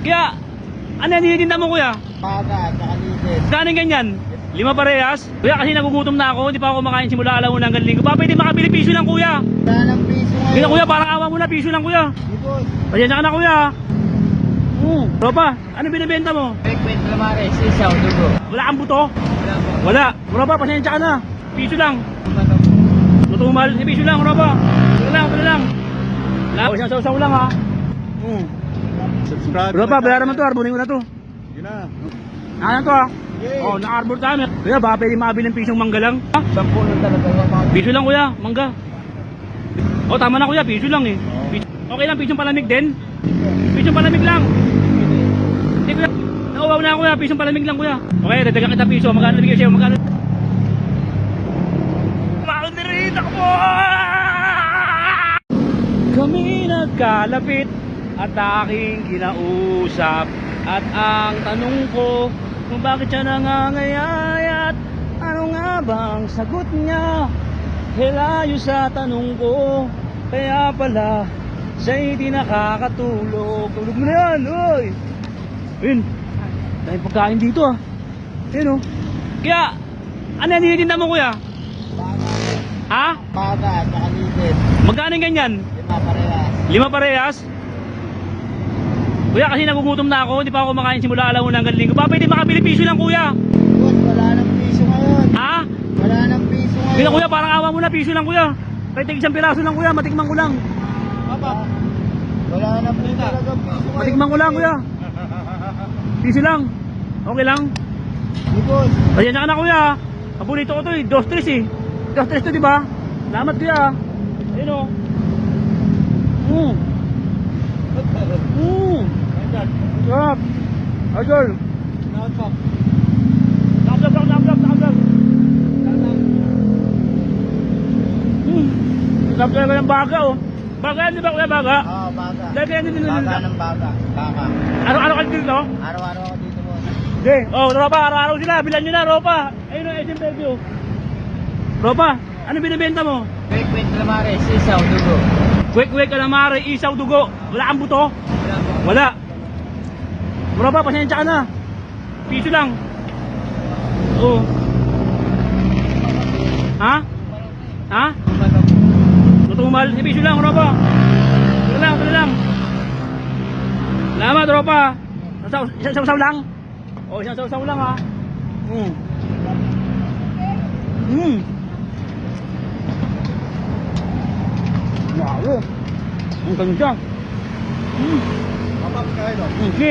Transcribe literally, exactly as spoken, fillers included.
Kaya, ano yan hinitinda mo kuya? Baga, tsaka litis. Kanin ganyan? Lima parehas? Kuya kasi nagugutom na ako, hindi pa ako kumakain simula alauna hanggang linggo. Pa pwede makabili piso lang kuya. Wala ng piso ngayon. Kaya kuya, parang awa mo na, piso lang kuya. Di boss. Pasensya ka na kuya. Hmm. Tropa, ano binibenta mo? Frequent Lamares, isaw, dugo. Wala kang buto? Wala po. Wala. Tropa, pasensya ka na. Piso lang. Tutumal, eh, piso lang, tropa. Wala lang, wala lang. Wala, isang sausaw lang ha. Hmm. Subscribe. Tropa, bayaran mo to, arbonin ko na to. Yun na. Ano to ha? Yay. Oh, na-arbor tayo. Kuya, baka pwede makabili ng pisong mangga lang. Ha? Sampu lang talaga yung mga... Piso lang kuya, mangga. Oh, tama na kuya, piso lang eh. Piso. Okay lang, pisong palamig din. Pisong palamig lang. Hindi kuya, nauwaw na kuya, pisong palamig lang kuya. Okay, dadagang kita piso, magkano bigay sa'yo, magkano? Maunirita ko po! Kami nagkalapit at aking kinausap. At ang tanong ko, kung bakit siya nangangayayat, ano nga bang sagot niya? Hilayo sa tanong ko, kaya pala siya'y di nakakatulog. Tulog mo na yan, oy! Ayun, dahil pagkain dito ah. Ayun oh. Kaya, ano yan hinitinda mo kuya? Baga, Ha? baga, tsaka litis. Magkano yung ganyan? Lima parehas. Lima parehas? Kuya kasi nagugutom na ako, hindi pa ako kumakain simula alauna hanggang linggo. Pa pwede makabili piso lang kuya. Boss, wala ng piso ngayon. Ha? Wala ng piso ngayon. Kaya kuya, parang awa mo na, piso lang kuya. Kahit isang piraso lang kuya, matikman ko lang. Papa. Wala na po talaga piso ngayon. Matikman ko lang kuya. Piso lang. Okay lang. Di boss. Pasensya ka na kuya. Paborito ko to eh, dos tres eh. Dos tres to di ba? Salamat kuya. Ayun o. Mm. Mm. Sarap. Idol. Nakaplag, nakaplag, nakaplag. Mm. Sarap talaga ng baga oh. Baga yan di ba kuya, baga? Oo, baga. Dahil kaya hindi Baga nila. ng baga. Baga. Araw-araw ka dito? Araw-araw ako dito boss. Hindi. Oh, Ropa, araw-araw sila. Bilan nyo na, Ropa. Ayun ang agent review. Ropa, ano binibenta mo? Frequent Lamares, isaw, dugo. Kwek-kwek, calamari, isaw, dugo. Wala kang buto? Wala po. Wala. Ropa, pasensya ka na. Piso lang. Oo. Ha? Ha? Tutumal. Eh, piso lang, Ropa. Wala lang, wala lang. Salamat, Ropa. Sasaw, isang sausaw lang. O, isang sausaw lang, ha. Hmm. Hmm. Wow. Ang ganda. Hmm. Papa, pagkain o. Hmm.